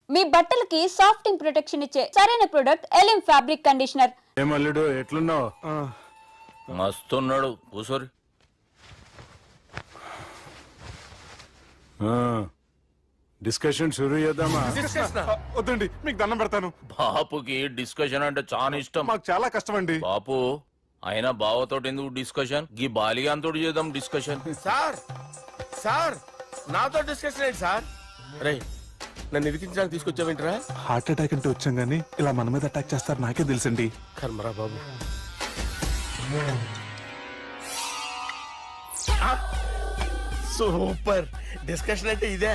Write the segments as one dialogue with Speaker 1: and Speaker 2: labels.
Speaker 1: మీ బట్టలకి సాఫ్టింగ్ ప్రొటెక్షన్ ఇచ్చే సరైన ప్రొడక్ట్ ఎలిమ్ ఫ్యాబ్రిక్ కండిషనర్.
Speaker 2: ఏమల్లుడు ఎట్లున్నావు?
Speaker 3: మస్తున్నాడు కూసోరి.
Speaker 2: డిస్కషన్ షురూ చేద్దామా?
Speaker 4: వద్దండి, మీకు దండం పెడతాను.
Speaker 3: బాపుకి డిస్కషన్ అంటే చాలా ఇష్టం.
Speaker 4: మాకు చాలా కష్టం అండి.
Speaker 3: బాపు అయినా బావతోటి ఎందుకు డిస్కషన్? గీ బాలిగాంతో చేద్దాం డిస్కషన్.
Speaker 5: సార్ సార్ నాతో డిస్కషన్ ఏంటి సార్? రే నన్ను ఇరికించడానికి తీసుకొచ్చావేంట్రా?
Speaker 4: హార్ట్ అటాక్ అంటే వచ్చాం గానీ ఇలా మన మీద అటాక్ చేస్తారు నాకే తెలుసండి.
Speaker 5: కర్మరా బాబు. సూపర్ డిస్కషన్ అంటే ఇదే.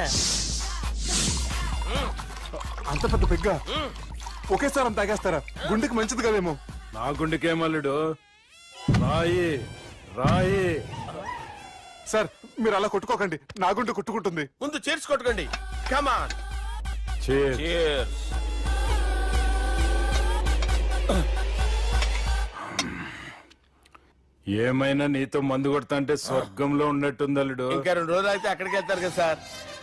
Speaker 4: అంత పెద్ద పెగ్గ ఒకేసారి అంత తాగేస్తారా? గుండెకి మంచిది కదేమో.
Speaker 2: నా గుండెకేమల్లుడు, రాయి రాయి.
Speaker 4: సార్ మీరు అలా కొట్టుకోకండి, నా గుండె కొట్టుకుంటుంది.
Speaker 5: ముందు చేర్చి కొట్టుకోండి. కమాన్.
Speaker 2: Cheers.
Speaker 3: Cheers.
Speaker 2: ఏమైనా నీతో మందు కొడతా అంటే స్వర్గంలో ఉన్నట్టుంది అల్లుడు.
Speaker 5: ఇంకా 2 రోజులు అయితే అక్కడికి వెళ్తారు కదా సార్.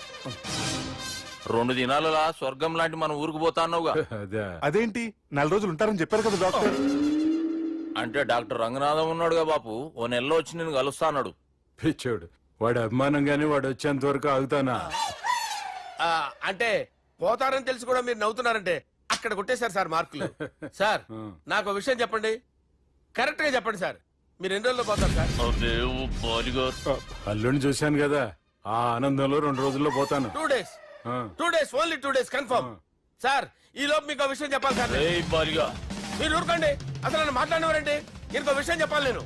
Speaker 3: 2 దినాలలా స్వర్గం లాంటి మన ఊరికి పోతా అన్నావుగా.
Speaker 2: అదే
Speaker 4: అదేంటి 4 రోజులు ఉంటారని చెప్పారు కదా డాక్టర్.
Speaker 3: అంటే డాక్టర్ రంగనాథం ఉన్నాడుగా బాపు, ఓ నెలలో వచ్చి నేను కలుస్తా అన్నాడు.
Speaker 2: పిచ్చోడు, వాడు అభిమానం గాని వాడు వచ్చేంత వరకు ఆగుతానా?
Speaker 5: అంటే పోతారని తెలిసి కూడా మీరు నవ్వుతున్నారంటే అక్కడ కొట్టేశారు సార్ మార్కులు. సార్ నాకు ఒక విషయం చెప్పండి, కరెక్ట్ గా చెప్పండి సార్. మీరు ఎన్ని రోజుల్లో పోతారు సార్?
Speaker 2: అల్లుడిని చూశాను కదా, ఆ ఆనందంలో 2 రోజుల్లో పోతాను.
Speaker 5: 2 days. 2 days, only 2 days confirm. Sir ఈ లోపు మీకు విషయం చెప్పాలి సార్. మీరు ఊరుకోండి, అసలు నన్ను మాట్లాడినవారండి. ఇంకో విషయం చెప్పాలి నేను.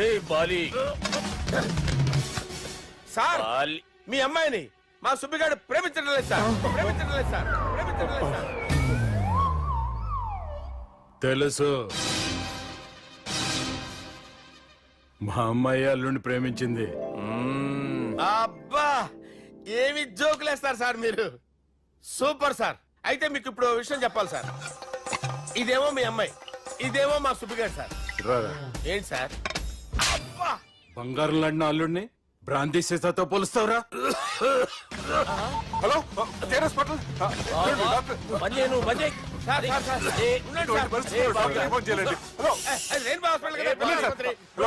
Speaker 5: సార్ మీ అమ్మాయిని మా సుబ్బిగాడు ప్రేమించడం లేదు సార్. ప్రేమించడం లేదు సార్. ప్రేమించడం లేదు సార్.
Speaker 2: తెలుసు, మా అమ్మాయి అల్లుడిని ప్రేమించింది.
Speaker 5: అబ్బా ఏమి జోకులేస్తారు సార్ మీరు. Super sir. అయితే మీకు ఇప్పుడు ఓ విషయం చెప్పాలి సార్. ఇదేమో మీ అమ్మాయి, ఇదేమో మా సుబ్బిగాడు సార్.
Speaker 2: రారా.
Speaker 5: ఏంటి సార్? అబ్బా
Speaker 2: బంగారం లాంటి అల్లుడిని భ్రాంతి సీతతో పోలుస్తావురా?
Speaker 4: హలో కేరస్ పటల్.
Speaker 5: సార్ సార్ సార్ ఉండండి సార్.
Speaker 4: ఫోన్ చేయండి. హలో
Speaker 5: రెయిన్బో హాస్పిటల్ కదా ఆసుపత్రి.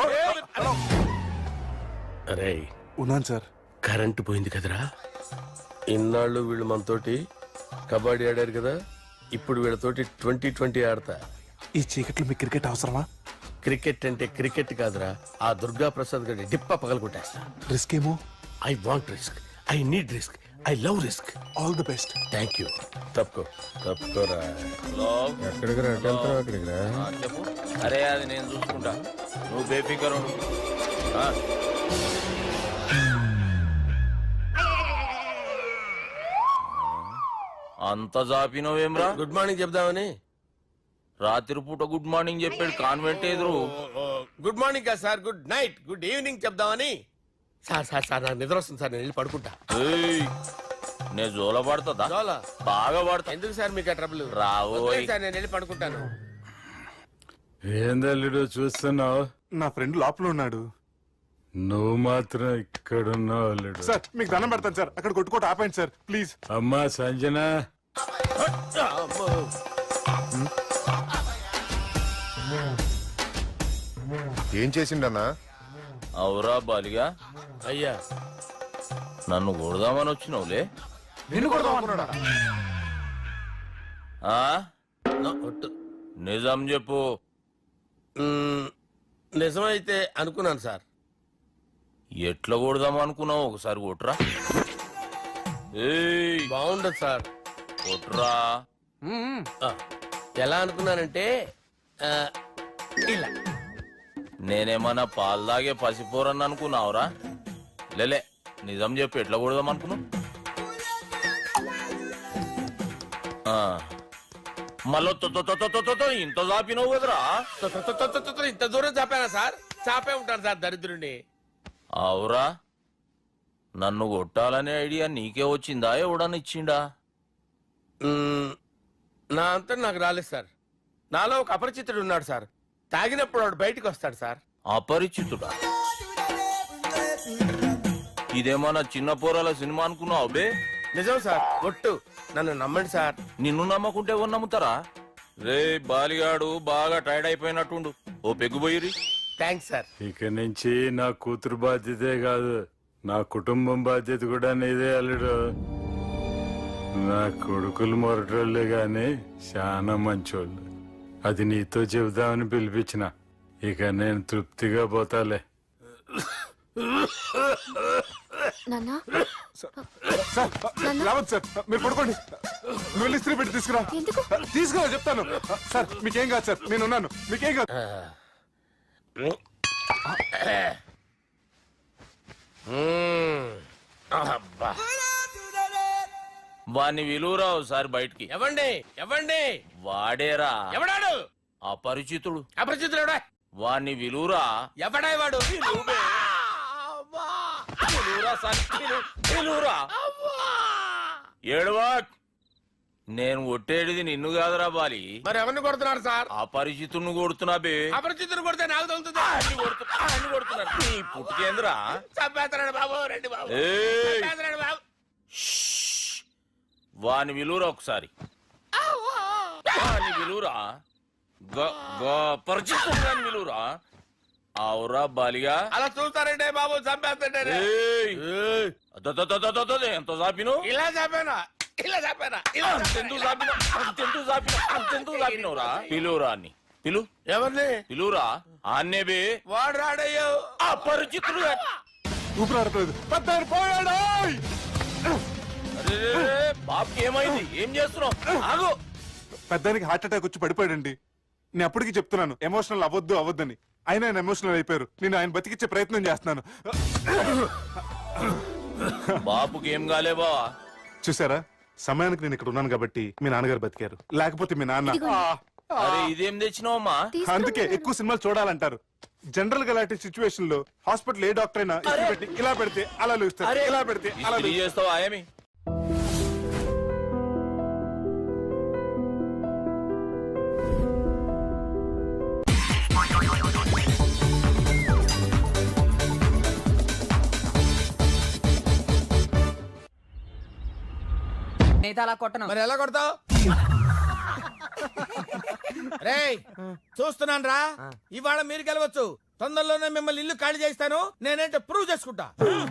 Speaker 5: అరే
Speaker 4: ఉన్నాను సార్.
Speaker 5: కరెంటు పోయింది కదరా. ఇన్నాళ్ళు వీళ్ళు మనతోటి కబడ్డీ ఆడారు కదా, ఇప్పుడు వీళ్ళతోటి 2020 ఆడతా.
Speaker 4: ఈ చీకట్లో మీకు క్రికెట్ అవసరమా?
Speaker 5: క్రికెట్ అంటే క్రికెట్ కాదురా, ఆ దుర్గా ప్రసాద్ గారి డిప్ప పగల కొట్టేస్తా.
Speaker 4: రిస్క్ ఏమో.
Speaker 5: I want risk, I need risk, I love risk.
Speaker 4: All the best.
Speaker 5: Thank you. తప్పుకోరా. ఎక్కడికి రా? అక్కడికి రా.
Speaker 3: చెప్పు. అరే అది నేను చూసుకుంటా, నువ్వు బేఫికర్ ఉండు. అంత జాపినవేమ్రా?
Speaker 5: గుడ్ మార్నింగ్ చెప్దామని.
Speaker 3: రాత్రి పూట గుడ్ మార్నింగ్ చెప్పాడు కాన్వెంట్ ఎదురు.
Speaker 5: గుడ్ మార్నింగ్ కదా sir, good night, good evening చెప్దామని. సార్ సార్ సార్ నాకు నిద్ర వస్తుంది సార్, నేను వెళ్ళి పడుకుంటా.
Speaker 3: నేను జోల పడుతుందా?
Speaker 5: జోలా
Speaker 3: బాగా పడతా.
Speaker 5: ఎందుకు సార్ మీకు ఆ ట్రబుల్?
Speaker 3: రావు
Speaker 5: సార్ నేను వెళ్ళి పడుకుంటాను.
Speaker 2: ఏందల్లుడు చూస్తున్నావు?
Speaker 4: నా ఫ్రెండ్ లోపల ఉన్నాడు.
Speaker 2: నువ్వు మాత్రం ఇక్కడున్నావు అల్లుడు.
Speaker 4: సార్ మీకు దండం పెడతాను సార్, అక్కడ కొట్టుకోట ఆపండి సార్ ప్లీజ్.
Speaker 2: అమ్మా సంజన,
Speaker 6: ఏం చేసిండన్నా?
Speaker 3: అవురా బాలిగా,
Speaker 5: అయ్యా
Speaker 3: నన్ను కొడదామని వచ్చినావులే.
Speaker 4: నిన్ను కొడదామన్నాడా?
Speaker 3: నిజం చెప్పు.
Speaker 5: నిజమైతే అనుకున్నాను సార్.
Speaker 3: ఎట్లా కొడదాం అనుకున్నావు? ఒకసారి కొట్రా.
Speaker 5: బాగుండదు సార్.
Speaker 3: కొట్రా.
Speaker 5: ఎలా అనుకున్నానంటే ఇలా.
Speaker 3: నేనేమన్నా పాలు తాగే పసిపోరని అనుకున్నావురా? లేలే, నిజం చెప్పు, ఎట్లా కొడదాం అనుకున్నావు? మళ్ళీ ఇంత చాపినావు కదరా?
Speaker 5: ఇంత దూరం చాపానా సార్? చాపే ఉంటాను సార్ దరిద్రుడిని.
Speaker 3: అవురా, నన్ను కొట్టాలనే ఐడియా నీకే వచ్చిందా? ఎవడని ఇచ్చిండా?
Speaker 5: నా అంతా నాకు రాలేదు సార్. నాలో ఒక అపరిచితుడు ఉన్నాడు సార్. తాగినప్పుడు వాడు బయటికి వస్తాడు సార్.
Speaker 3: అపరిచితుడా? ఇదేమన్నా చిన్న పోరాల సినిమా అనుకున్నావు బే?
Speaker 5: నిజం సార్, ఒట్టు. నన్ను నమ్మండి సార్.
Speaker 3: నిన్ను నమ్మకుంటే ఎవరు నమ్ముతారా? రే బాలిగాడు బాగా టైర్డ్ అయిపోయినట్టుండు, ఓ పెగ్గుబోయిరి.
Speaker 5: Thanks sir.
Speaker 2: ఇక నుంచి నా కూతురు బాధ్యతే కాదు, నా కుటుంబం బాధ్యత కూడా నీదే అల్లుడు. నా కొడుకులు మొరటోళ్ళే గాని చాలా మంచోళ్ళు. అది నీతో చెబుదామని పిలిపించిన. ఇక నేను తృప్తిగా పోతాలే.
Speaker 7: నాన్నా
Speaker 4: సార్ రావద్దు సార్, మీరు పడుకోండి. నువ్వు వెళ్ళి ఇస్త్రీ పెట్టి తీసుకురా.
Speaker 7: ఎందుకు?
Speaker 4: తీసుకురా చెప్తాను. సార్ మీకేం కాదు సార్, నేను ఉన్నాను, మీకేం కాదు.
Speaker 5: అబ్బా.
Speaker 3: వాణ్ణి విలువరా ఒకసారి బయటికి.
Speaker 5: ఎవండి ఎవండి
Speaker 3: వాడేరా
Speaker 5: ఎవడాడు?
Speaker 3: అపరిచితుడు.
Speaker 5: అపరిచితుడు ఎవడా?
Speaker 3: వాణ్ణి విలువరా.
Speaker 5: ఎవడా వాడు?
Speaker 3: విలువరా సార్, విలువరా. ఏడవా, నేను ఒట్టేడిది నిన్ను కాదురా బాలి,
Speaker 5: మరి ఎవరిని కొడుతున్నారు సార్?
Speaker 3: అపరిచితుడిని కొడుతున్నా బే.
Speaker 5: అపరిచితుడు కొడితే నాకు తగులుతుంది.
Speaker 3: అన్ని కొడుతున్నారు. నీ పుట్టుకేంద్రా?
Speaker 5: చంపేస్తున్నాడు బాబు, రండి బాబు.
Speaker 3: ఏయ్!
Speaker 5: చంపేస్తున్నాడు బాబు.
Speaker 3: వాని విలువరా ఒకసారి. వాని విలువరా. పరిచితుడు విలువరా. అవురా బాలిగా.
Speaker 5: అలా చూస్తారంటే బాబు, చంపేస్తాడే.
Speaker 3: ఏయ్! ఎంత చాపిను?
Speaker 5: ఇలా చంపేనా? ఇలా చంపేనా? ఇలా
Speaker 3: అంతెందుకు చాపిన? అంతెందుకు చాపిన? అంతెందుకు చాపినవురా? పిలువురా అన్ని. పిలు,
Speaker 5: ఎవరిని?
Speaker 3: పిలువురా. ఆన్నే బే.
Speaker 5: వాడు రాడయ్యో.
Speaker 3: అపరిచితుడు.
Speaker 4: ఊపిరాడట్లేదు. పెద్ద పోయాడు.
Speaker 3: బాబుకి ఏమైంది? ఏం చేస్తున్నావు? ఆగు.
Speaker 4: పెద్దానికి హార్ట్ అటాక్ వచ్చి పడిపోయాడండి. నేను అప్పటికి చెప్తున్నాను ఎమోషనల్ అవ్వద్దని. ఆయన ఎమోషనల్ అయిపోయారు. నేను ఆయన బతికిచ్చే ప్రయత్నం చేస్తున్నాను.
Speaker 3: బాబుకి ఏం కాలే బావా?
Speaker 4: చూసారా, సమయానికి నేను ఇక్కడ ఉన్నాను కాబట్టి మీ నాన్నగారు బతికారు. లేకపోతే మీ నాన్న
Speaker 3: అరే ఇదేం తెచ్చినావమ్మా?
Speaker 4: అందుకే ఎక్కువ సినిమాలు చూడాలంటారు. జనరల్ గా అలాంటి సిచ్యువేషన్ లో హాస్పిటల్ ఏ డాక్టర్ అయినా ఇస్త్రీ పెట్టి ఇలా పెడితే అలా లూస్తారు, ఇలా పెడితే అలా
Speaker 3: ఇస్త్రీ చేస్తావా ఏమి?
Speaker 8: అలా కొట్టను.
Speaker 5: మరి ఎలా కొడతావు? రేయ్ చూస్తున్నాను రా, ఇవాళ మీరు గెలవచ్చు. తొందరలోనే మిమ్మల్ని ఇల్లు ఖాళీ చేస్తాను. నేనేంటో ప్రూవ్ చేసుకుంటా.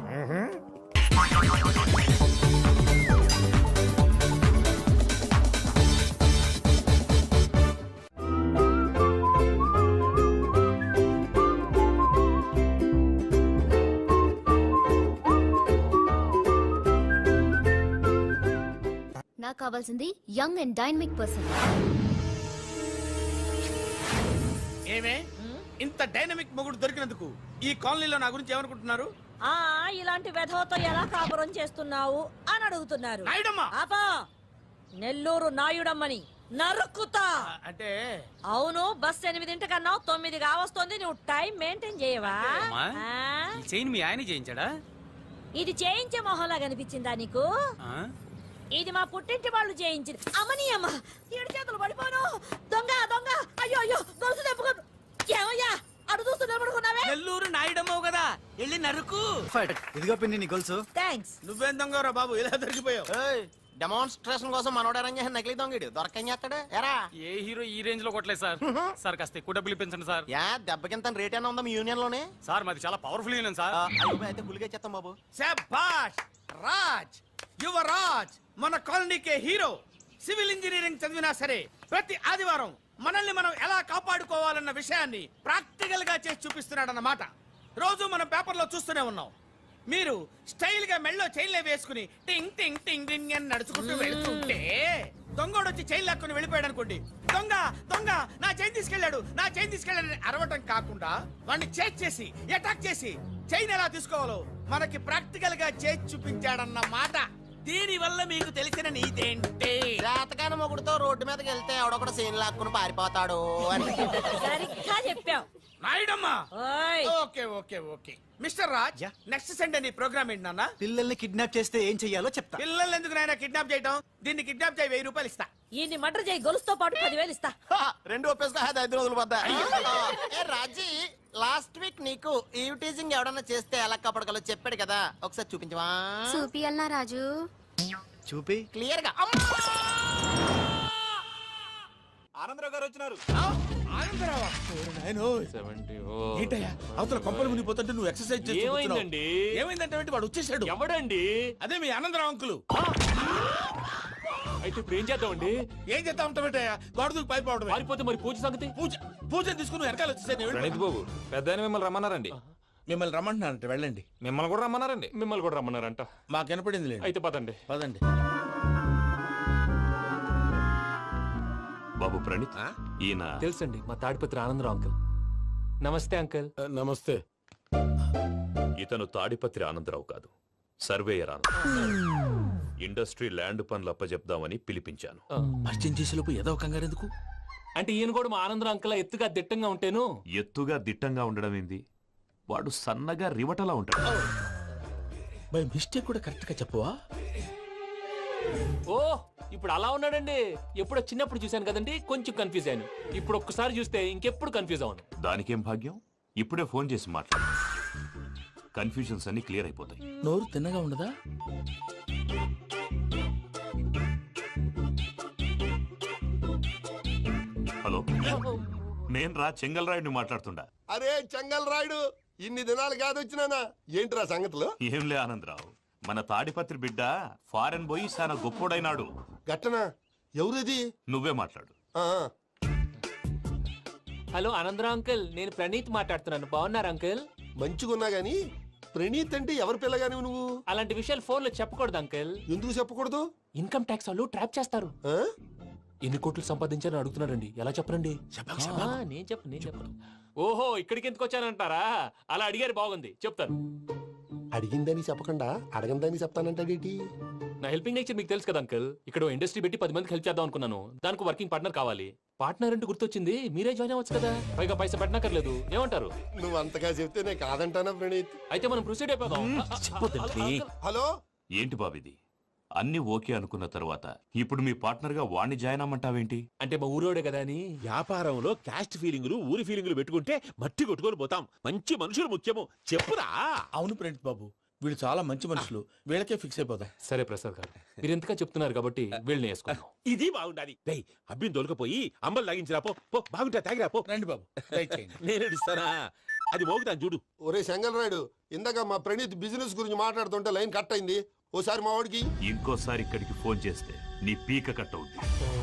Speaker 7: నాకు కావాల్సింది యంగ్ అండ్ డైనమిక్ పర్సన్.
Speaker 5: ఏమే ఇంత డైనమిక్ మొగుడు దొరికినందుకు ఈ కాలనీలో నా గురించి ఏమనుకుంటున్నారు?
Speaker 9: ఇలాంటి వెధవతో ఎలా కాపురం చేస్తున్నావు అని అడుగుతున్నారు.
Speaker 5: నాయుడమ్మా!
Speaker 9: ఆపా! నెల్లూరు నాయుడమ్మని నరుక్కుతా.
Speaker 5: అంటే
Speaker 9: అవును, బస్ 8 కన్నావు, 9 కావస్తోంది. నువ్వు టైం మెయింటైన్ చేయవా?
Speaker 10: చైన్ మీ ఆయన చేయించాడా?
Speaker 9: ఇది చేయించే మొహంలా కనిపించిందా నీకు? ఇది మా పుట్టింటి వాళ్ళు చేయించింది. అమ్మని అమ్మ, 7 చేతులు పడిపోను. దొంగ దొంగ, అయ్యో అయ్యో, గొలుసు తెప్పుకోను. ఏమయ్యా అడు చూస్తూ నిలబడుకున్నావే?
Speaker 8: నెల్లూరు నాయుడమ్మవు కదా, వెళ్ళి నరుకు.
Speaker 10: ఇదిగో పిన్ని నీ గొలుసు.
Speaker 9: థ్యాంక్స్.
Speaker 5: నువ్వేం దొంగరా బాబు, ఇలా దొరికిపోయావు?
Speaker 8: డెమాన్స్ట్రేషన్ కోసం మనోడు అరేంజ్ చేసిన నకిలీ దొంగడు దొరకని చేస్తాడు. ఎరా
Speaker 10: ఏ హీరో ఈ రేంజ్ లో కొట్టలేదు సార్. సార్ కాస్త ఎక్కువ డబ్బులు ఇప్పించండి సార్.
Speaker 8: యా దెబ్బకింత రేట్ అయినా ఉందా మీ యూనియన్ లోనే?
Speaker 10: సార్ మాది చాలా పవర్ఫుల్ యూనియన్ సార్.
Speaker 8: అయితే గులిగా చేస్తాం బాబు.
Speaker 5: శభాష్ రాజ్, యువరాజ్, మన కాలనీకే హీరో. సివిల్ ఇంజనీరింగ్ చదివినా సరే ప్రతి ఆదివారం మనల్ని మనం ఎలా కాపాడుకోవాలన్న విషయాన్ని ప్రాక్టికల్ గా చేసి చూపిస్తున్నాడన్నమాట. రోజు మనం పేపర్లో చూస్తూనే ఉన్నాం. మీరు స్టైల్ గా మెళ్ళో చైన్లే వేసుకుని టింగ్ టింగ్ టింగ్ టింగ్ అని నడుచుకుంటూ వెళ్తుంటే దొంగోడు వచ్చి చైన్ లాక్కుని వెళ్ళిపోయాడు అనుకోండి. దొంగ దొంగ నా చైన్ తీసుకెళ్లాడు, నా చైన్ తీసుకెళ్లాడని అరవటం కాకుండా వాడిని చేజ్ చేసి అటాక్ చేసి చైన్ ఎలా తీసుకోవాలో మనకి ప్రాక్టికల్ గా చేసి చూపించాడన్న మాట. దీని వల్ల మీకు తెలిసిన నీతేంటి?
Speaker 8: జాతకాన మొగుడుతో రోడ్డు మీదకి వెళ్తే ఎవడొకడు సీన్ లాక్కుని పారిపోతాడు అని.
Speaker 9: సరిగ్గా చెప్పావు
Speaker 5: నాయుడమ్మా.
Speaker 9: ఓయ్.
Speaker 5: Okay okay okay mister Raj, next Sunday నీ ప్రోగ్రామ్ ఏంటి నాన్న?
Speaker 10: పిల్లల్ని కిడ్నాప్ చేస్తే ఏం చెయ్యాలో చెప్తా.
Speaker 5: పిల్లల్ని ఎందుకు నాయన కిడ్నాప్ చేయటం? దీన్ని కిడ్నాప్ చేయి, 1000 రూపాయలు ఇస్తా.
Speaker 9: ఈయన్ని మర్డర్ చేయి, గొలుసుతో పాటు 10,000 ఇస్తా.
Speaker 8: రెండు ఒప్పేసుకో, 5 రోజులు పోతా. ఏ రాజీ, లాస్ట్ వీక్ నీకు ఈవ్ టీజింగ్ ఎవడన్నా చేస్తే ఎలా కాపాడగలో చెప్పాడు కదా, ఒకసారి చూపించవా?
Speaker 7: చూపియల్నా రాజు?
Speaker 8: చూపి క్లియర్ గా
Speaker 10: ఆనందరావు గారు వచ్చినారు.
Speaker 5: ఆనందరావా? ఓరి నాయనో. ఏంటయ్యా అవతల కొంపలు మునిగిపోతుంటే నువ్వు ఎక్సర్సైజ్ చేస్తూ
Speaker 10: ఏమైందండి?
Speaker 5: కూర్చున్నావు. ఏమైందంటే ఏంటి, వాడు వచ్చేసాడు.
Speaker 10: ఎవడండి?
Speaker 5: అదే మీ ఆనందరావు అంకులు.
Speaker 10: అయితే ఇప్పుడు ఏం చేద్దామండి?
Speaker 5: ఏం చేస్తా ఉంటావేటయ్యా, గోడ దూకి పైపోవడమే.
Speaker 10: పారిపోతే మరి పూజ సంగతి?
Speaker 5: పూజ తీసుకుని నువ్వు వెనకాల వచ్చేసాను.
Speaker 11: ప్రణీత్ బాబు పెద్ద మిమ్మల్ని రమ్మన్నారండి.
Speaker 5: మిమ్మల్ని రమ్మంటున్నారంట, వెళ్ళండి.
Speaker 11: మిమ్మల్ని కూడా రమ్మన్నారండి.
Speaker 10: మిమ్మల్ని కూడా రమ్మన్నారంట.
Speaker 5: మాకు వినపడింది లేండి.
Speaker 10: అయితే పదండి.
Speaker 5: పదండి.
Speaker 11: బాబు ప్రణీత్, ఈయన
Speaker 10: తెలుసండి, మా తాడిపత్రి ఆనందరావు అంకుల్. నమస్తే అంకుల్.
Speaker 5: నమస్తే.
Speaker 11: ఇతను తాడిపత్రి ఆనందరావు కాదు, సర్వేయర్ ఆనందరావు. ఇండస్ట్రీ ల్యాండ్ పనులు అప్పచెప్దామని పిలిపించాను.
Speaker 5: పరిచయం చేసేలోపు ఏదో కంగారు ఎందుకు?
Speaker 10: అంటే ఈయన కూడా మా ఆనందరావు అంకుల్ ఎత్తుగా దిట్టంగా ఉంటేను.
Speaker 11: ఎత్తుగా దిట్టంగా ఉండడం ఏంది, వాడు సన్నగా రివటలా ఉంటాడు.
Speaker 5: బై మిస్టేక్ కూడా కరెక్ట్ గా చెప్పవా?
Speaker 10: ఓ ఇప్పుడు అలా ఉన్నాడండి. ఎప్పుడో చిన్నప్పుడు చూశాను కదండి, కొంచెం కన్ఫ్యూజ్ అయ్యాను. ఇప్పుడు ఒక్కసారి చూస్తే ఇంకెప్పుడు కన్ఫ్యూజ్ అవ్వను.
Speaker 11: దానికేం భాగ్యం, ఇప్పుడే ఫోన్ చేసి మాట్లాడు. కన్ఫ్యూజన్స్ అన్ని క్లియర్ అయిపోతాయి.
Speaker 5: నోరు తిన్నగా ఉండదా?
Speaker 11: హలో, నేను రా చెంగల్రాయుడిని మాట్లాడుతుండా.
Speaker 6: అరే చెంగల్ రాయుడు, ఇన్ని దినాలు కాదు వచ్చినానా? ఏంట్రా సంగతులు?
Speaker 11: ఏంలే ఆనందరావు, మన తాడిపత్రి బిడ్డ ఫారెన్ పోయి చాలా గొప్పోడైనాడు.
Speaker 6: గట్టనా? ఎవరిది?
Speaker 11: నువ్వే మాట్లాడు.
Speaker 10: హలో ఆనందరావు అంకుల్, నేను ప్రణీత్ మాట్లాడుతున్నాను. బాగున్నారు అంకుల్?
Speaker 6: మంచిగున్నా గాని ప్రణీత్ అంటే ఎవరి పిల్లగాని నువ్వు?
Speaker 10: అలాంటి విషయాలు ఫోన్లో చెప్పకూడదు అంకుల్.
Speaker 6: ఎందుకు చెప్పకూడదు?
Speaker 10: ఇన్కమ్ ట్యాక్స్ వాళ్ళు ట్రాప్ చేస్తారు.
Speaker 6: ఆ?
Speaker 10: ఎన్ని కోట్లు సంపాదించాలని అడుగుతున్నారండి. ఎలా చెప్పరండి? నేను చెప్పను. ఓహో, ఇక్కడికి ఎందుకు వచ్చానంటారా? అలా అడిగారు, బాగుంది, చెప్తాను.
Speaker 6: అడిగిందని చెప్పకుండా అడగందని చెప్తానంటాడేటి?
Speaker 10: నా హెల్పింగ్ నేచర్ మీకు తెలుసు కదా అంకుల్. ఇక్కడ ఇండస్ట్రీ పెట్టి 10 మందికి హెల్ప్ చేద్దాం అనుకున్నాను. దానికి వర్కింగ్ పార్ట్నర్ కావాలి. పార్ట్నర్ అంటే గుర్తొచ్చింది, మీరే జాయిన్ అవ్వచ్చు కదా. పైగా పైసా పెట్టనక్కర్లేదు. ఏమంటారు?
Speaker 6: నువ్వు అంతగా చెప్తే నేను కాదంటానా ప్రణీత్?
Speaker 10: అయితే మనం ప్రొసీడ్ అయిపోదాం.
Speaker 6: హలో,
Speaker 11: ఏంటి బాబిది, అన్ని ఓకే అనుకున్న తర్వాత ఇప్పుడు మీ పార్ట్నర్ గా వాణ్ణి జాయిన్ అమ్మంటావేంటి?
Speaker 10: అంటే మా ఊరోడే కదా అని.
Speaker 5: వ్యాపారంలో క్యాస్ట్ ఫీలింగులు, ఊరి ఫీలింగులు పెట్టుకుంటే మట్టి కొట్టుకొని పోతాం. మంచి మనుషులు ముఖ్యము. చెప్పురా. అవును ప్రణీత్ బాబు, వీళ్ళు చాలా మంచి మనుషులు. వీళ్ళకే ఫిక్స్ అయిపోదాం.
Speaker 10: సరే ప్రసాద్ గారు, మీరు ఎంతగా చెప్తున్నారు కాబట్టి వీళ్ళని వేసుకుందాం.
Speaker 5: ఇది బాగుండాలి. డై అబ్బిని దొలకపోయి అంబలు లాగించిరా పో. బాగుంటా తాగిరా పో. రండి బాబు, నేను ఇస్తానా? అది మోగుతాను చూడు.
Speaker 6: ఒరే చెంగల్ రాయుడు, ఇందాక మా ప్రణీత్ బిజినెస్ గురించి మాట్లాడుతుంటే లైన్ కట్ అయింది. ఓసారి మా వాడికి
Speaker 11: ఇంకోసారి ఇక్కడికి ఫోన్ చేస్తే నీ పీక కట్ అవుద్ది.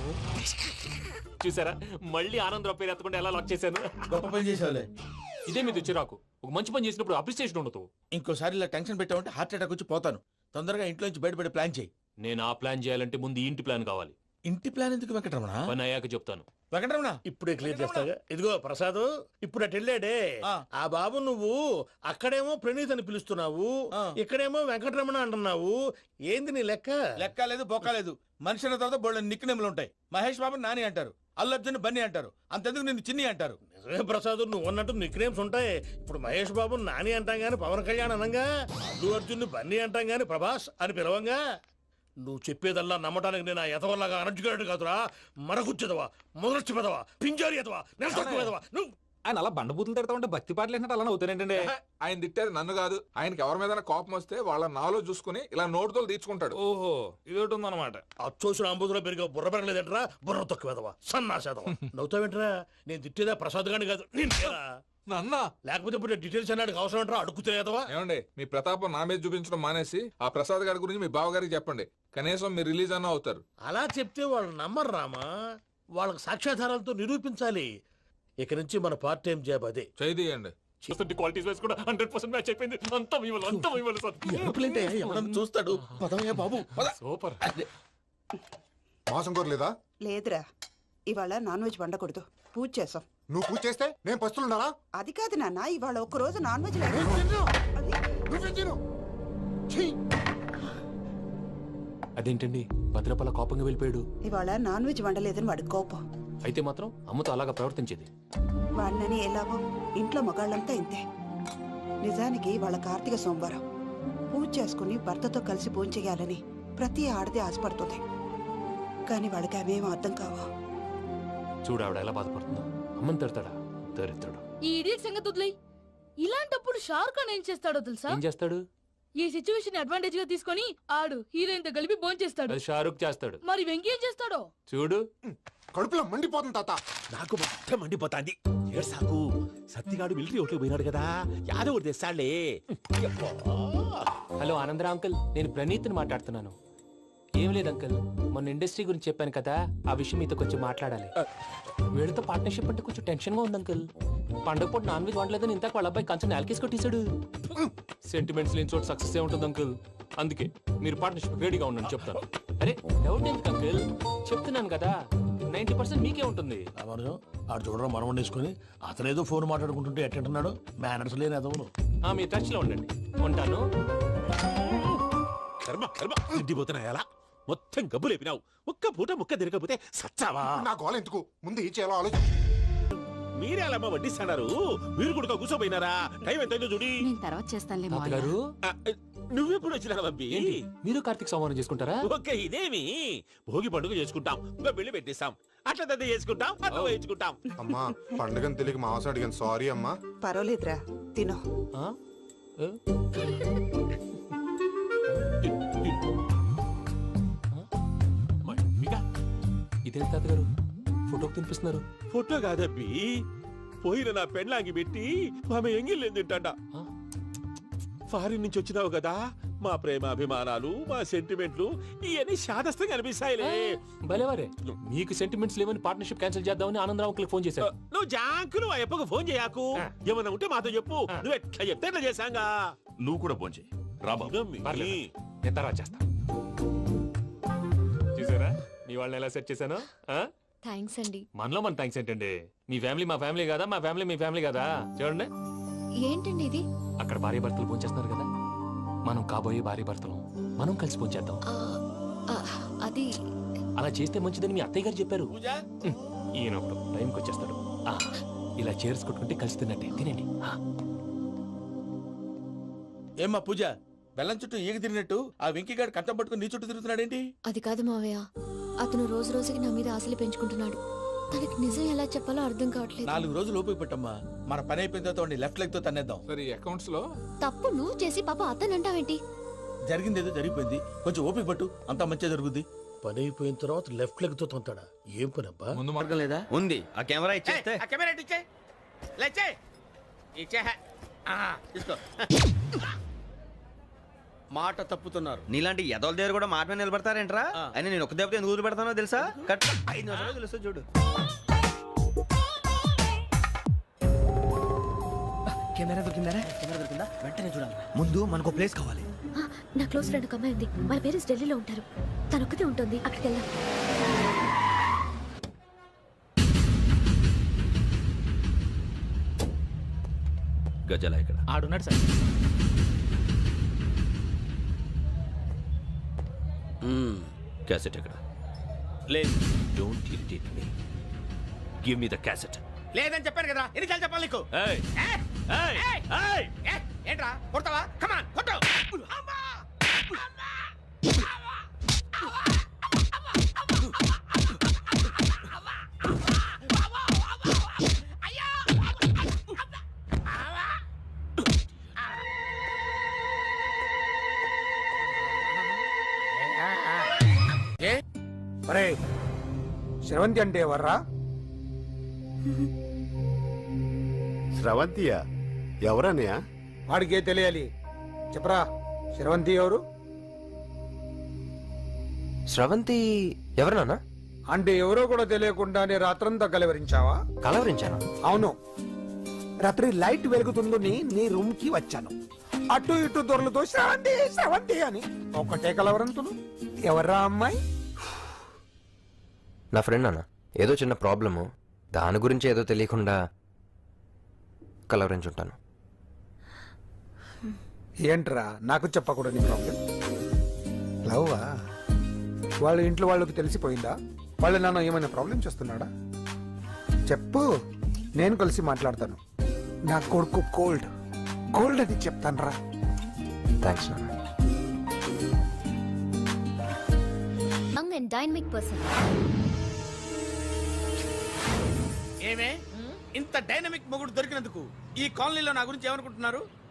Speaker 10: చూసారా, మళ్ళీ ఆనందరావు పేరు ఎత్తకుండా ఎలా లాక్ చేశాను.
Speaker 5: గొప్ప పని చేసావులే.
Speaker 10: ఇదే మీద చిరాకు. ఒక మంచి పని చేసినప్పుడు అప్రిసియేషన్ ఉండదు.
Speaker 5: ఇంకోసారి ఇలా టెన్షన్ పెట్టామంటే హార్ట్ అటాక్ వచ్చి పోతాను. తొందరగా ఇంట్లో నుంచి బయటపడే ప్లాన్ చేయి.
Speaker 10: నేను ఆ ప్లాన్ చేయాలంటే ముందు ఈ ఇంటి ప్లాన్ కావాలి.
Speaker 5: ఇంటి ప్లాన్ ఎందుకు వెంకటరమణ?
Speaker 10: పని అయ్యాక చెప్తాను.
Speaker 5: వెంకటరమణ
Speaker 8: ఇప్పుడే క్లియర్ చేస్తాగా. ఇదిగో ప్రసాద్, ఇప్పుడు అటు వెళ్ళాడే ఆ బాబు, నువ్వు అక్కడేమో ప్రణీత్ అని పిలుస్తున్నావు, ఇక్కడేమో వెంకటరమణ అంటున్నావు. ఏంది నీ లెక్క?
Speaker 5: లెక్క లేదు, బొక్క లేదు. మనిషి అన్న తర్వాత బోళ్ళ నిక్నెములు ఉంటాయి. మహేష్ బాబు నాని అంటారు, అల్లు అర్జున్ బన్నీ అంటారు, అంతెందుకు నిన్ను చిన్ని అంటారు.
Speaker 8: నిజమే ప్రసాద్, నువ్వు అన్నట్టు నిక్నేమ్స్ ఉంటాయి. ఇప్పుడు మహేష్ బాబు నాని అంటాం గాని పవన్ కళ్యాణ్ అనంగా, అల్లు అర్జున్ బన్నీ అంటాం గాని ప్రభాస్ అని పిలవంగా. నువ్వు చెప్పేదల్లా నమ్మటానికి నేను ఎతవల్లాగా అనర్జుకేటెడ్ కాదురా. మరగుచ్చదవా, మొదలచ్చి పెదవా, పింజారి ఎదవా, నెలసొక్కు పెదవా. నువ్వు
Speaker 11: ఆయన అలా బండబూతులు తిడతా ఉంటే భక్తి పాటలు ఏంటంటే అలా అవుతానేంటండి.
Speaker 12: ఆయన తిట్టేది నన్ను కాదు, ఆయనకి ఎవరి మీద కోపం వస్తే వాళ్ళ నాలో చూసుకుని ఇలా నోటుతో తీర్చుకుంటాడు.
Speaker 11: ఓహో, ఇదొకటి ఉందన్నమాట.
Speaker 8: అచ్చోసిన అంబుధులో పెరిగా బుర్ర పెరగలేదంటరా, బుర్ర తొక్కు వెదవా, సన్నాసేదవా. నవ్వుతావేంట్రా? నేను తిట్టేదా ప్రసాద్ గాని కాదు, నిన్నేరా.
Speaker 12: నన్నా?
Speaker 8: లేకపోతే ఇప్పుడు డీటెయిల్స్ అన్నాడు అవసరం అంటారా? అడుగుతాయేదవా?
Speaker 12: ఏమండి, మీ ప్రతాపం నా మీద చూపించడం మానేసి ఆ ప్రసాద్ గారి గురించి మీ బావగారికి చెప్పండి. కనీసం మీరు రిలీజ్ అన్న అవుతారు.
Speaker 8: అలా చెప్తే వాళ్ళు నమ్మరు రామా. వాళ్ళకి సాక్ష్యాధారాలతో నిరూపించాలి. ఇక నుంచి మన పార్ట్ టైం జాబ్ అదే.
Speaker 12: చేయండి.
Speaker 10: చూస్తుంటే క్వాలిటీస్ వైస్ కూడా 100% మ్యాచ్ అయిపోయింది. అంతా ఇవ్వాలి సార్.
Speaker 8: ఎవడన్నా చూస్తాడు. పదవయ్యా బాబు,
Speaker 10: సూపర్.
Speaker 6: మాసం కోరలేదా?
Speaker 13: లేదురా, ఇవాళ నాన్ వెజ్ వండకూడదు. పూజ చేసాం.
Speaker 6: నువ్వు పూజ చేస్తే నేను పస్తులున్నారా?
Speaker 13: అది కాదు నాన్న, ఇవాళ ఒక్కరోజు నాన్ వెజ్ లేదు.
Speaker 6: నువ్వే తిను.
Speaker 10: అదేంటండి, భద్రపల కోపంగా వెళ్ళిపోయాడు.
Speaker 13: ఇవాళ నాన్ వెజ్ వండలేదని వాడి కోపం.
Speaker 10: అయితే మాత్రం అమ్మతో అలాగా ప్రవర్తించేది.
Speaker 13: వాడినని ఎలాగో ఇంట్లో మగాళ్ళంతా ఇంతే. నిజానికి వాళ్ళ కార్తీక సోమవారం పూజ చేసుకుని భర్తతో కలిసి పూజ చేయాలని ప్రతి ఆడది ఆశపడుతుంది. కానీ వాడికి అవేం అర్థం కావా.
Speaker 10: చూడు ఆవిడ ఎలా బాధపడుతుందో. అమ్మని తిడతాడా దరిద్రుడు.
Speaker 9: ఈ ఇడియట్ సంగతి వదిలేయ్. ఇలాంటప్పుడు షారుఖ్ ఖాన్ ఏం చేస్తాడో తెలుసా?
Speaker 10: ఏం చేస్తాడు?
Speaker 9: ఈ సిచ్యువేషన్ అడ్వాంటేజ్ గా తీసుకొని ఆడు హీరోయిన్ తో కలిపి చేస్తాడు.
Speaker 10: అది షారుఖ్ చేస్తాడు.
Speaker 9: మరి వెంకీ ఏం చేస్తాడో
Speaker 10: చూడు.
Speaker 6: కడుపులో మండిపోతుంది తాత.
Speaker 5: నాకు మొత్తం మండిపోతాంది. ఏడ్సాకు సత్తిగాడు మిలిటరీ ఓట్లు పోయినాడు కదా, యాదవ్ ఒకటి తెస్తాడులే.
Speaker 10: హలో ఆనందరా అంకుల్, నేను ప్రణీత్ని మాట్లాడుతున్నాను. ఏం లేదు అంకుల్, మొన్న ఇండస్ట్రీ గురించి చెప్పాను కదా, ఆ విషయం మీతో కొంచెం మాట్లాడాలి. వీళ్ళతో పార్ట్నర్షిప్ అంటే కొంచెం టెన్షన్ గా ఉంది అంకుల్. పండగ పూట నాన్ వెజ్ వండలేదని ఇంతకు వాళ్ళ అబ్బాయి కంచెం నేలకేసి కొట్టేశాడు. సెంటిమెంట్స్ లేని చోట సక్సెస్ ఏ ఉంటుంది అంకుల్. అందుకే మీరు పార్ట్నర్షిప్ రెడీగా ఉండండి చెప్తాను. అరే డౌట్ ఎందుకు అంకుల్, చెప్తున్నాను కదా 90% మీకే ఉంటుంది.
Speaker 8: ఆడు చూడడం మనం వండేసుకుని అతనేదో ఫోన్ మాట్లాడుకుంటుంటే ఎట్టంటున్నాడు, మేనర్స్ లేని అదవును.
Speaker 10: మీరు టచ్ లో ఉండండి. ఉంటాను.
Speaker 5: కర్మ కర్మ తిండిపోతున్నా ఎలా మొత్తం గబ్బు లేపినావు. ఒక్క పూట ముక్క తిరగకపోతే సచ్చావా?
Speaker 6: నా గోల ఎందుకు, ముందు ఈ చేయాలో ఆలోచించు.
Speaker 5: మీరే అలా వడ్డిస్తాడారు, మీరు కూడా కూర్చోపోయినారా? టైం ఎంతైందో చూడి.
Speaker 9: తర్వాత చేస్తానులే
Speaker 10: తాతగారు,
Speaker 5: నువ్వెప్పుడు వచ్చినా అబ్బి?
Speaker 10: ఏంటి మీరు కార్తీక్ సంహారం చేసుకుంటారా?
Speaker 5: ఓకే, ఇదేమి భోగి పండుగ చేసుకుంటాం, ఇంకా పెళ్లి పెట్టేస్తాం, అట్లా దద్ద చేసుకుంటాం, అట్లా వేయించుకుంటాం.
Speaker 6: అమ్మా పండుగని తెలియక మావసం అడిగాను, సారీ అమ్మా.
Speaker 13: పర్వాలేదురా, తినో.
Speaker 10: ఆ? ఏ? ఇదేంటి తాతగారు ఫోటోకి తినిపిస్తున్నారు?
Speaker 5: ఫోటో కాదబ్బి, పోయిన నా పెళ్ళాంగి పెట్టి ఆమె ఎంగిల్లేం తింటాడ. ఫారిన్ నుంచి వచ్చినావు కదా, మా ప్రేమ అభిమానాలు, మా సెంటిమెంట్లు ఇవన్నీ శాదస్తంగా అనిపిస్తాయిలే.
Speaker 10: భలేవారే, మీకు సెంటిమెంట్స్ లేవని పార్ట్నర్షిప్ క్యాన్సిల్ చేద్దామని ఆనందరావు అంకుల్ ఫోన్ చేశారు.
Speaker 5: నువ్వు జాంకులు ఆ ఎప్పకు ఫోన్ చేయకు, ఏమన్నా ఉంటే మాతో చెప్పు. నువ్వు ఎట్లా చెప్తే ఎట్లా చేశాంగా.
Speaker 11: నువ్వు కూడా ఫోన్ చేయి. రాబా
Speaker 10: పర్లేదు, నేను తర్వాత చేస్తా. చూసారా మీ వాళ్ళని ఎలా సెట్ చేశాను?
Speaker 7: థ్యాంక్స్ అండి.
Speaker 10: మనలో మన థ్యాంక్స్ ఏంటండి, మీ ఫ్యామిలీ మా ఫ్యామిలీ కదా, మా ఫ్యామిలీ మీ ఫ్యామిలీ కదా. చూడండి,
Speaker 7: ఏంటండి ఇది?
Speaker 10: అక్కడ భార్య భర్తలు ఫోన్ చేస్తున్నారు కదా, మనం కాబోయే భార్య భర్తలు మనం కలిసి ఫోన్ చేద్దాం.
Speaker 7: అది
Speaker 10: అలా చేస్తే మంచిదని మీ అత్తయ్య గారు చెప్పారు. ఈయన ఒకడు టైంకి వచ్చేస్తాడు. ఇలా చేర్స్ కొట్టుకుంటే కలిసి తిన్నట్టే. తినండి.
Speaker 5: ఏమ్మా పూజ, బెల్లం చుట్టూ ఈగ తిరిగినట్టు ఆ వెంకీగాడు కంటం పట్టుకుని నీ చుట్టూ తిరుగుతున్నాడేంటి?
Speaker 7: అది కాదు మావయ్య, అతను రోజు రోజుకి నా మీద ఆశలు పెంచుకుంటున్నాడు. తనకి నిజం ఎలా చెప్పాలో అర్థం కావట్లేదు.
Speaker 5: 4 రోజులు ఓపిక పెట్టమ్మా, మన పని అయిపోయిన తర్వాత వాడిని లెఫ్ట్ లెగ్ తో తన్నేద్దాం.
Speaker 12: సరే అకౌంట్స్ లో
Speaker 7: తప్పు నువ్వు చేసి పాప అతను అంటావేంటి?
Speaker 5: జరిగింది ఏదో జరిగిపోయింది, కొంచెం ఓపిక పట్టు, అంతా మంచిగా జరుగుద్ది. పని అయిపోయిన తర్వాత లెఫ్ట్ లెగ్ తో తొంతాడా? ఏం పని అబ్బా?
Speaker 12: ముందు మార్గం లేదా?
Speaker 3: ఉంది. ఆ కెమెరా ఇచ్చేస్తే
Speaker 5: తీసుకో. మాట తప్పుతున్నారు.
Speaker 3: నీలాంటి ఎదల దగ్గర కూడా మాట మీద నిలబడతారేంట్రా? అని నేను ఒక దెబ్బతో ఎందుకు పెడతానో తెలుసా? కట్ 5 నిమిషాలు తెలుసు చూడు. కెమెరా దొరికిందా? వెంటనే చూడాలి. ముందు మనకు ప్లేస్ కావాలి.
Speaker 7: నా క్లోజ్ ఫ్రెండ్ ఒక అమ్మాయి ఉంది, వాళ్ళ పేరెంట్స్ ఢిల్లీలో ఉంటారు. తనొక్కతే ఉంటుంది, అక్కడికి వెళ్దాం.
Speaker 3: గజాల ఇక్కడ
Speaker 10: ఆడున్నాడు సార్.
Speaker 3: క్యాసెట్ ఎక్కడ?
Speaker 5: లేదు.
Speaker 3: Don't irritate me. Give me the cassette.
Speaker 5: లేదని చెప్పాను కదా, ఎన్నిసార్లు చెప్పాలి నీకు? ఏంట్రా కొడతావా? కమాన్ కొట్టు.
Speaker 8: శ్రవంతి అంటే ఎవర్రా?
Speaker 6: స్రవంతియా? ఎవరన్నయ్యా?
Speaker 8: వాడికే తెలియాలి, చెప్పరా. శ్రవంతి ఎవరు?
Speaker 3: స్రవంతి ఎవరన్నా?
Speaker 8: అంటే ఎవరో కూడా తెలియకుండానే రాత్రంతా కలవరించావా?
Speaker 3: కలవరించాను.
Speaker 8: అవును, రాత్రి లైట్ వెలుగుతుందని నీ రూమ్ కి వచ్చాను. అటు ఇటు దొరలతో శ్రవంతి శ్రవంతి అని ఒకటే కలవరంతును. ఎవర్రా అమ్మాయి?
Speaker 3: నా ఫ్రెండ్ అన్న, ఏదో చిన్న ప్రాబ్లము, దాని గురించి ఏదో తెలియకుండా కలవరించుంటాను.
Speaker 8: ఏంట్రా నాకు చెప్పకూడదు నీ ప్రాబ్లం? లవ్వా? వాళ్ళ ఇంట్లో వాళ్ళకి తెలిసిపోయిందా? వాళ్ళ నాన్న ఏమైనా ప్రాబ్లం చేస్తున్నాడా? చెప్పు, నేను కలిసి మాట్లాడతాను. నా కొడుకు కోల్డ్ అని చెప్తాను రా.
Speaker 3: థ్యాంక్స్ నాన్న.
Speaker 7: Young and dynamic person.
Speaker 5: ఏమే ఇంత డైనమిక్ మొగుడు దొరికినందుకు ఈ కాలనీలో నా గురించి ఏమనుకుంటున్నారు?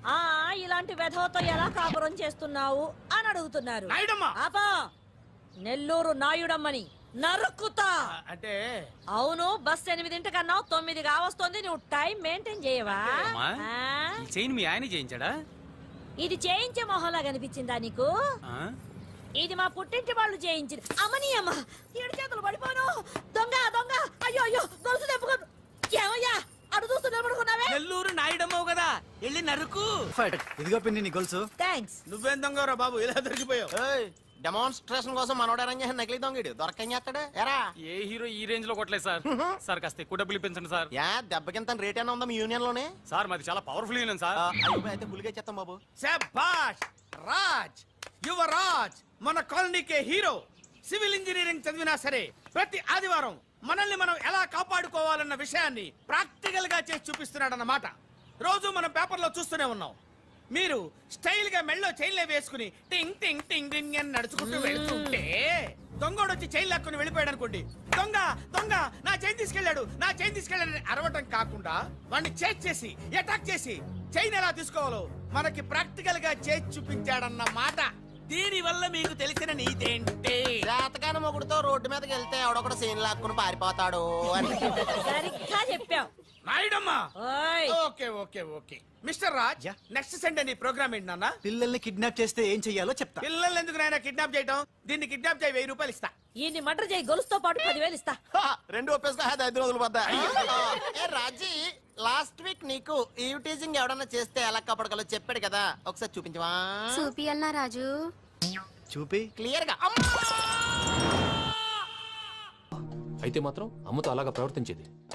Speaker 9: ఆ ఇలాంటి వెధవతో ఎలా కాపురం చేస్తున్నావు అని అడుగుతున్నారు. ఆపా, నెల్లూరు నాయుడమ్మని నరుక్కుతా.
Speaker 5: అంటే
Speaker 9: అవును, బస్ 8:00 9 కావస్తుంది. నువ్వు టైం మెయింటైన్ చేయవా?
Speaker 10: చైన్ మీ ఆయన చేయించాడా?
Speaker 9: ఇది చేయించే మొహంలా కనిపించిందా నీకు? ఇది మా పుట్టింటి వాళ్ళు చేయించింది. అమ్మని అమ్మ, ఏడు చేతులు పడిపోను. దొంగ దొంగ, అయ్యో అయ్యో, గొలుసు తెప్పుకోను. ఏమయ్యా అడు చూస్తూ నిలబడుకున్నావే?
Speaker 10: నెల్లూరు నాయుడమ్మవు కదా, వెళ్ళి నరుకు.
Speaker 14: ఇదిగో పిన్ని నీ గొలుసు.
Speaker 9: థ్యాంక్స్.
Speaker 5: నువ్వేం దొంగరా బాబు, ఇలా దొరికిపోయావు?
Speaker 10: డెమాన్స్ట్రేషన్ కోసం మనోడు అరేంజ్ చేసిన నకిలీ దొంగడు దొరకని చేస్తాడు. ఎరా ఏ హీరో ఈ రేంజ్ లో కొట్టలేదు సార్. సార్ కాస్త ఎక్కువ డబ్బులు ఇప్పించండి సార్. యా దెబ్బకింత రేట్ అయినా ఉందా మీ యూనియన్ లోనే? సార్ మాది చాలా పవర్ఫుల్ యూనియన్ సార్. అయితే గులిగే చేస్తాం బాబు.
Speaker 5: శభాష్ రాజ్, యువరాజ్, మన కాలనీకే హీరో. సివిల్ ఇంజనీరింగ్ చదివినా సరే ప్రతి ఆదివారం మనల్ని మనం ఎలా కాపాడుకోవాలన్న విషయాన్ని ప్రాక్టికల్ గా చేసి చూపిస్తున్నాడన్నమాట. రోజు మనం పేపర్లో చూస్తూనే ఉన్నాం. మీరు స్టైల్ గా మెళ్ళో చైన్లే వేసుకుని టింగ్ టింగ్ టింగ్ టింగ్ అని నడుచుకుంటూ వెళ్తుంటే దొంగోడు వచ్చి చైన్ లాక్కుని వెళ్ళిపోయాడు అనుకోండి. దొంగ దొంగ నా చైన్ తీసుకెళ్ళాడు, నా చైన్ తీసుకెళ్ళాడని అరవటం కాకుండా వాడిని చేజ్ చేసి అటాక్ చేసి చైన్ ఎలా తీసుకోవాలో మనకి ప్రాక్టికల్ గా చేసి చూపించాడన్న మాట. దీని వల్ల మీకు తెలిసిన నీతేంటి?
Speaker 10: జాతకాన మొగుడుతో రోడ్డు మీదకి వెళ్తే ఎవడొకడు సీన్ లాక్కుని పారిపోతాడు అని.
Speaker 9: సరిగ్గా చెప్పావు
Speaker 5: నాయుడమ్మా.
Speaker 9: ఓయ్.
Speaker 5: Okay okay okay mister Raj, next Sunday నీ ప్రోగ్రామ్ ఏంటి నాన్న?
Speaker 14: పిల్లల్ని కిడ్నాప్ చేస్తే ఏం చెయ్యాలో చెప్తా.
Speaker 5: పిల్లల్ని ఎందుకు నాయన కిడ్నాప్ చేయటం? దీన్ని కిడ్నాప్ చేయి, 1000 రూపాయలు ఇస్తా.
Speaker 9: ఈయన్ని మర్డర్ చేయి, గొలుసుతో పాటు 10,000 ఇస్తా.
Speaker 10: 2 ఒప్పేస్తా, 5 రోజులు పడ్డా. ఏ రాజీ, లాస్ట్ వీక్ నీకు ఈ టీజింగ్ ఎవడన్నా చేస్తే ఎలా కాపాడగలో చెప్పాడు కదా, ఒకసారి చూపించవా?
Speaker 7: చూపియల్నా రాజు?
Speaker 14: చూపి
Speaker 10: క్లియర్ గా.
Speaker 15: అయితే మాత్రం అమ్మతో అలాగా ప్రవర్తించేది.